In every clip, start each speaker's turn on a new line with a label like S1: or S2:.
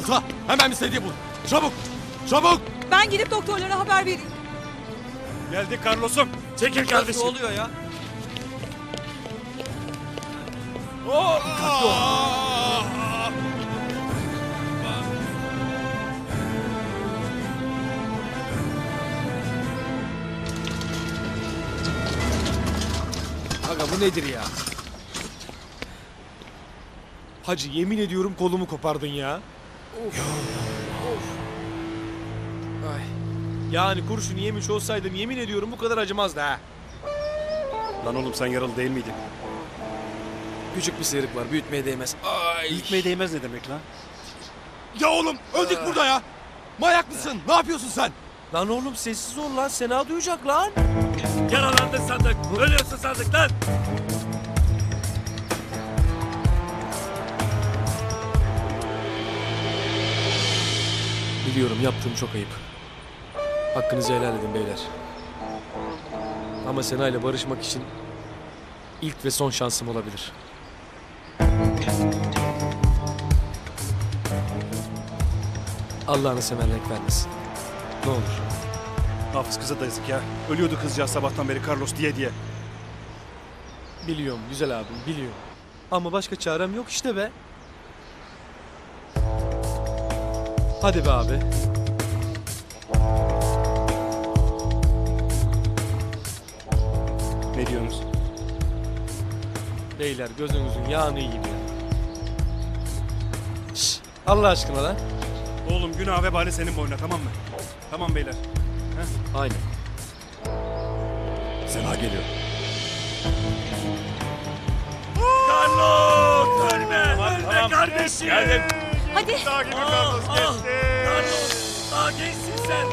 S1: Musa hemen bir sedye bul. Çabuk. Çabuk.
S2: Ben gidip doktorlara haber vereyim.
S3: Geldik Carlos'um. Çekil kardeşim.
S4: Ne oluyor ya?
S5: Aga bu nedir ya? Hacı yemin ediyorum kolumu kopardın ya. Of. Ay. Yani kurşunu yemiş olsaydım yemin ediyorum bu kadar acımazdı ha.
S3: Lan oğlum sen yaralı değil miydin?
S5: Küçük bir sıyrık var büyütmeye değmez. Ay.
S3: Gitmeye değmez ne demek lan?
S1: Ya oğlum öldük burada ya. Manyak mısın? Ne yapıyorsun sen?
S5: Lan oğlum sessiz ol lan Sena duyacak lan.
S3: Yaralandın sandık. Ölüyorsun sandık lan.
S5: Biliyorum yaptığım çok ayıp. Hakkınızı helal edin beyler. Ama Sena ile barışmak için ilk ve son şansım olabilir. Allah'ını seven renk vermesin. Ne olur.
S3: Hafız kıza da yazık ya. Ölüyordu kızcağız sabahtan beri Carlos diye.
S5: Biliyorum güzel abim biliyorum. Ama başka çarem yok işte be. Hadi be abi.
S3: Ne diyorsunuz?
S5: Beyler gözünüzün yağını yiyin ya. Şşş, Allah aşkına lan.
S3: Oğlum günah vebali senin boynuna tamam mı? Tamam beyler.
S5: Aynen.
S1: Sena geliyor.
S3: Carlos! Ölme! Ölme kardeşim! Geldim.
S2: Hadi.
S3: Daha gibi Carlos geçti. Carlos! Daha gençsin sen.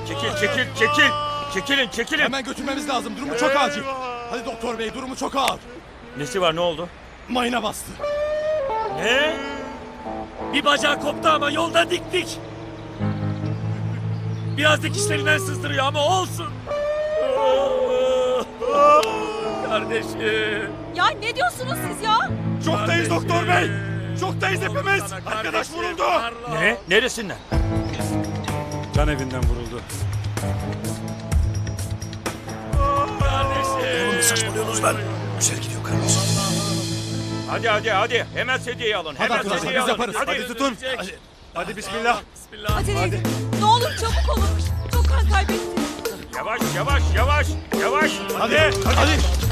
S6: Çekilin.
S1: Hemen götürmemiz lazım. Durumu çok acil. Hadi doktor bey durumu çok ağır.
S6: Nesi var, ne oldu?
S1: Mayına bastı.
S6: Ne? Bir bacağı koptu ama yolda diktik. Biraz dikişlerinden sızdırıyor ama olsun. Kardeşim.
S2: Ya ne diyorsunuz siz ya?
S3: Şoktayız doktor bey. Şoktayız hepimiz. Arkadaş vuruldu.
S6: Ne? Neresinden?
S3: Can evinden vuruldu.
S6: Kardeşim.
S3: Saçmalıyorsunuz lan. Güzel gidiyor Carlos.
S6: Hadi. Hemen sedyeyi alın.
S1: Hadi
S6: Hemen
S1: arkadaşlar,
S6: sedyeyi
S1: biz
S6: alın.
S1: yaparız.
S3: Hadi tutun. Hadi bismillah.
S6: Bismillah.
S2: Acele edin. Ne olur çabuk olun. Çok kan kaybettim.
S6: Yavaş.
S1: Hadi.